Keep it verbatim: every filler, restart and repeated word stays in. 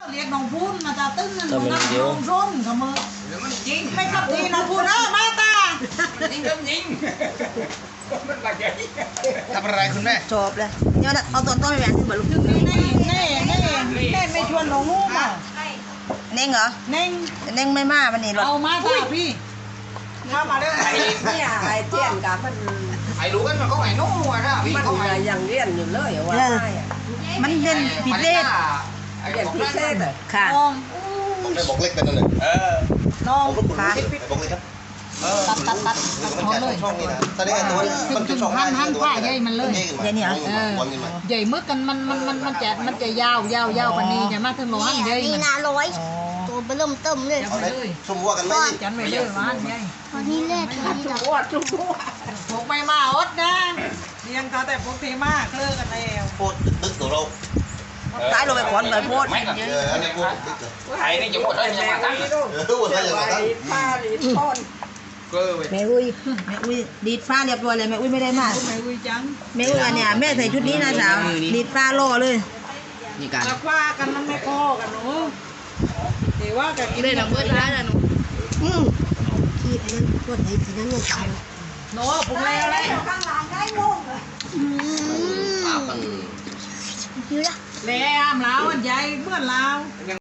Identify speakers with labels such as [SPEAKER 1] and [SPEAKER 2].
[SPEAKER 1] เรียกน้องพูนมาตาตึ้งนั่นน้องน้องร่นกับมือมันจริงไม่กับทีน้องพูนเออมาตาจริงก็จริงมันบาดใจทำอะไรคุณแม่
[SPEAKER 2] จบเลยเดี๋ยวเอาตอนต้นไปแบ่งเหมือนลูกนี่
[SPEAKER 1] นี่นี่นี่นี่ไม่ชวนน้องงูมา
[SPEAKER 2] เน่งเหรอ
[SPEAKER 1] เน่ง
[SPEAKER 2] เน่งไม่มาวันนี้หรอ
[SPEAKER 1] เอามาตาพี่มามาได้ไอ้
[SPEAKER 3] เนี่ยไอ้เจียนกับมัน
[SPEAKER 1] ไอ้รู้กันมันก็ไอ้นู้นนะพี่
[SPEAKER 3] มันยังเรียนอยู่เลยว่า
[SPEAKER 2] มันเรียนพิเศษ
[SPEAKER 3] เรียนพิเศษเลย
[SPEAKER 2] ค่ะ
[SPEAKER 4] ผมได้บอกเล็กกันนั่นเลยเออ
[SPEAKER 1] น้อง
[SPEAKER 4] ขาบอกเล็กครับ
[SPEAKER 1] ตัดตัดตัดตัดหมดเลย
[SPEAKER 4] ช่องนี้นะตอนนี้ตัวมันจะช่อง
[SPEAKER 1] หันหันผ้าใหญ่มันเลย
[SPEAKER 2] ใหญ่เนี่ย
[SPEAKER 1] ใหญ่มึกกันมันมันมันมันจะมันจะยาวยาวยาวกว่านี้จะมาถึงร้อยใหญ่
[SPEAKER 5] นี่นะร้อยตัวเบิ่มเติมเลย
[SPEAKER 4] ชุ่มวัวกันไหม
[SPEAKER 1] จันไม่เลยว่าใหญ่
[SPEAKER 5] ตอนนี้เล่ตอนนี้
[SPEAKER 3] จุ๊บจุ๊บ
[SPEAKER 1] พกไม่มาอดนะเลี้ยงเขาแต่พกทีมากเลิกกันแล้ว
[SPEAKER 4] โคตรดึกตัวเรา
[SPEAKER 2] ตายลงไปขอนเลยโพด
[SPEAKER 4] เอออันนี้โคตรดึกเลย
[SPEAKER 1] ไอ้นี่จะหมดเลยจะมาตั้ง
[SPEAKER 4] เออหมดเลยอย่างนั้น
[SPEAKER 3] ป้าลีทอน
[SPEAKER 2] แม่อุ้ยแม่อุ้ยดีดฟ้าเรียบร้อยเลยแม่อุ้ยไม่ได้มา
[SPEAKER 1] แม่อุ้ยจัง
[SPEAKER 2] แม่อุ้ยอันเนี้ยแม่ใส่ชุดนี้นะสาวดีดฟ้าล่อเลย
[SPEAKER 1] นี่กันแล้วว่ากันมันไม่พอกันหนูเดี๋ยวว่ากันกิน
[SPEAKER 2] เลยน้ำเบิร์ดร้านนะหนูอืมที่อันนั้นพวกไหนที่นั่นเนี่ยเขา
[SPEAKER 1] หนูปรุงแล้วเลยข้างหลังได้งงอืม
[SPEAKER 5] อยู่ละ
[SPEAKER 1] แล้วอ้ามแล้วอันใหญ่เมื่อแล้ว